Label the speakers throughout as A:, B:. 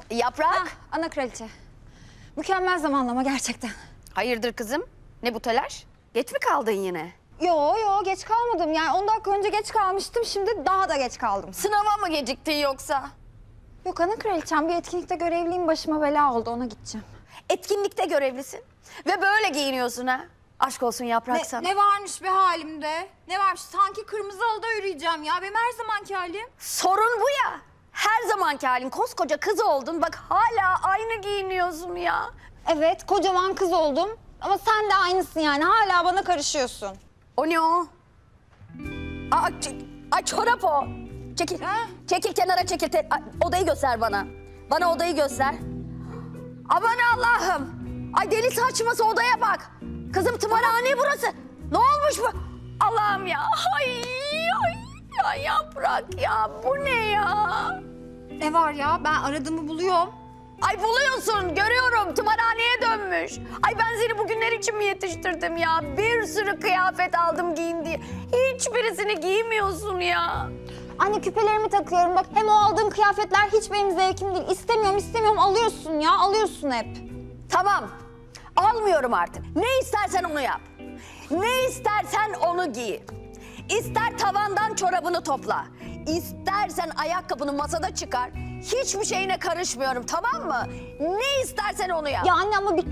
A: Yaprak.
B: Ana kraliçe. Mükemmel zamanlama gerçekten.
A: Hayırdır kızım? Ne bu telaş? Geç mi kaldın yine?
B: Yo geç kalmadım. Yani 10 dakika önce geç kalmıştım. Şimdi daha da geç kaldım.
A: Sınava mı geciktin yoksa?
B: Yok ana kraliçem, bir etkinlikte görevliyim, başıma bela oldu, ona gideceğim.
A: Etkinlikte görevlisin ve böyle giyiniyorsun ha. Aşk olsun Yaprak sana.
B: Ne varmış be halimde? Ne varmış? Sanki kırmızı halıda yürüyeceğim ya. Benim her zamanki halim.
A: Sorun bu ya. Her zamanki halin, koskoca kız oldun. Bak hala aynı giyiniyorsun ya.
B: Evet, kocaman kız oldum. Ama sen de aynısın yani. Hala bana karışıyorsun.
A: O ne o? Aa, ay çorap o. Çekil.
B: Ha?
A: Çekil kenara çekil. Ay, odayı göster bana. Bana odayı göster. Aman Allah'ım. Ay deli saçması odaya bak. Kızım tımarhane burası. Ne olmuş bu? Allah'ım ya. Ay ya Yaprak ya. Bu ne ya?
B: Ne var ya? Ben aradığımı buluyorum.
A: Ay buluyorsun, görüyorum. Tımarhaneye dönmüş. Ay ben seni bugünler için mi yetiştirdim ya? Bir sürü kıyafet aldım giyin diye. Hiçbirisini giymiyorsun ya.
B: Anne küpelerimi takıyorum bak. Hem o aldığın kıyafetler hiç benim zevkim değil. İstemiyorum alıyorsun ya. Alıyorsun hep.
A: Tamam, almıyorum artık. Ne istersen onu yap. Ne istersen onu giy. İster tavandan çorabını topla. İstersen ayakkabını masada çıkar. Hiçbir şeyine karışmıyorum, tamam mı? Ne istersen onu yap.
B: Ya anne ama bir...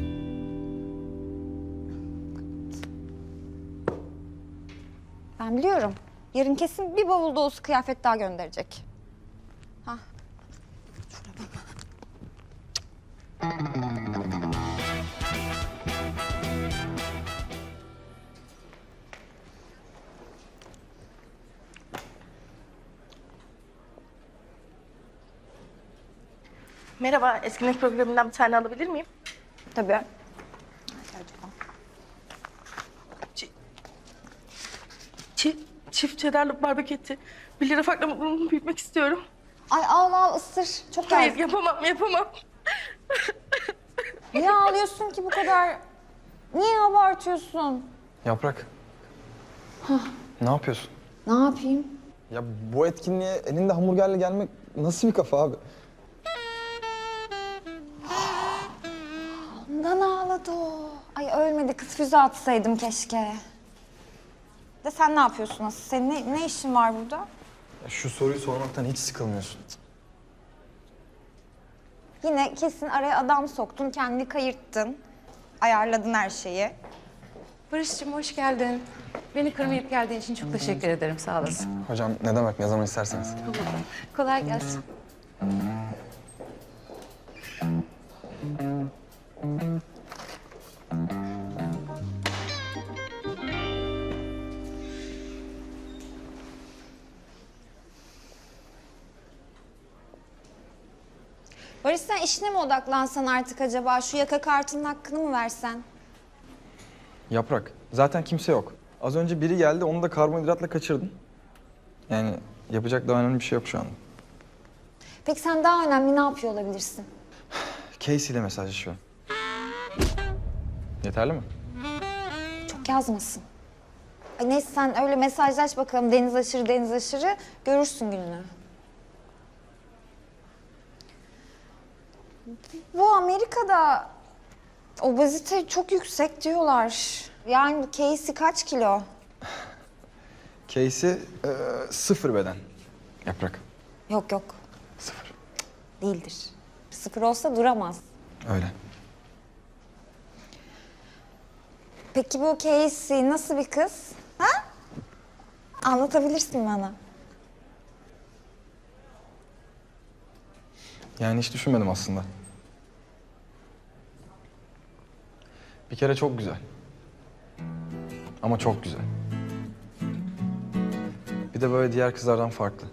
B: Ben biliyorum. Yarın kesin bir bavul dolusu kıyafet daha gönderecek. Ha.
C: Merhaba, etkinlik programından bir tane alabilir miyim?
B: Tabii.
C: Çift cheddarlı barbekü eti. 1 lira farkla mutluluğumu büyütmek istiyorum.
B: Ay al ısır. Çok
C: Hayır,
B: geldi.
C: yapamam.
B: Niye ağlıyorsun ki bu kadar? Niye abartıyorsun?
D: Yaprak. Ne yapıyorsun?
B: Ne yapayım?
D: Ya bu etkinliğe elinde hamburgerle gelmek nasıl bir kafa abi?
B: Ondan ağladı o. Ay ölmedi, kız füze atsaydım keşke. De sen ne yapıyorsun asıl? Senin ne işin var burada?
D: Ya şu soruyu sormaktan hiç sıkılmıyorsun.
B: Yine kesin araya adam soktun, kendini kayırttın. Ayarladın her şeyi.
E: Barış'cığım hoş geldin. Beni kırmayıp geldiğin için çok teşekkür ederim. Sağ olasın.
D: Hocam ne demek, ne zaman isterseniz.
E: Kolay gelsin.
B: Barış sen işine mi odaklansan artık acaba? Şu yaka kartının hakkını mı versen?
D: Yaprak, zaten kimse yok. Az önce biri geldi, onu da karbonhidratla kaçırdın. Yani yapacak daha önemli bir şey yok şu anda.
B: Peki sen daha önemli ne yapıyor olabilirsin?
D: Casey ile mesajlaşıyorum. Yeterli mi?
B: Çok yazmasın. Ay neyse sen öyle mesajlaş bakalım, deniz aşırı görürsün gününü. Bu Amerika'da obezite çok yüksek diyorlar. Yani bu Casey kaç kilo?
D: Casey sıfır beden. Yaprak.
B: Yok
D: Sıfır.
B: değildir. Sıfır olsa duramaz.
D: Öyle.
B: Peki bu Casey nasıl bir kız? Ha? Anlatabilirsin bana.
D: Yani hiç düşünmedim aslında. Bir kere çok güzel. Ama çok güzel. Bir de böyle diğer kızlardan farklı.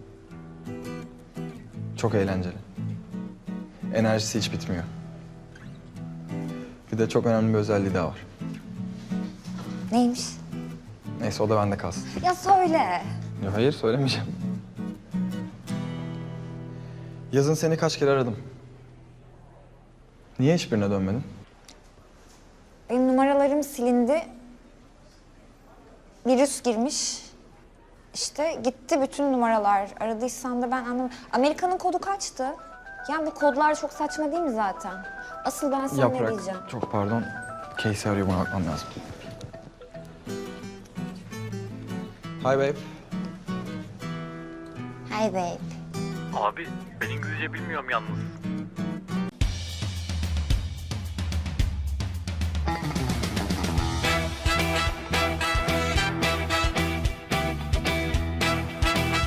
D: Çok eğlenceli. Enerjisi hiç bitmiyor. Bir de çok önemli bir özelliği daha var.
B: Neymiş?
D: Neyse o da bende kalsın.
B: Ya söyle.
D: Ya hayır söylemeyeceğim. Yazın seni kaç kere aradım. Niye hiçbirine dönmedin?
B: Benim numaralarım silindi. Virüs girmiş. İşte gitti bütün numaralar. Aradıysan da ben anlamadım. Amerika'nın kodu kaçtı? Yani bu kodlar çok saçma değil mi zaten? Asıl ben sana ne diyeceğim?
D: Yaprak, çok pardon. Casey arıyor, buna bakmam lazım. Hi babe.
B: Hey babe.
F: Abi ben İngilizce bilmiyorum yalnız.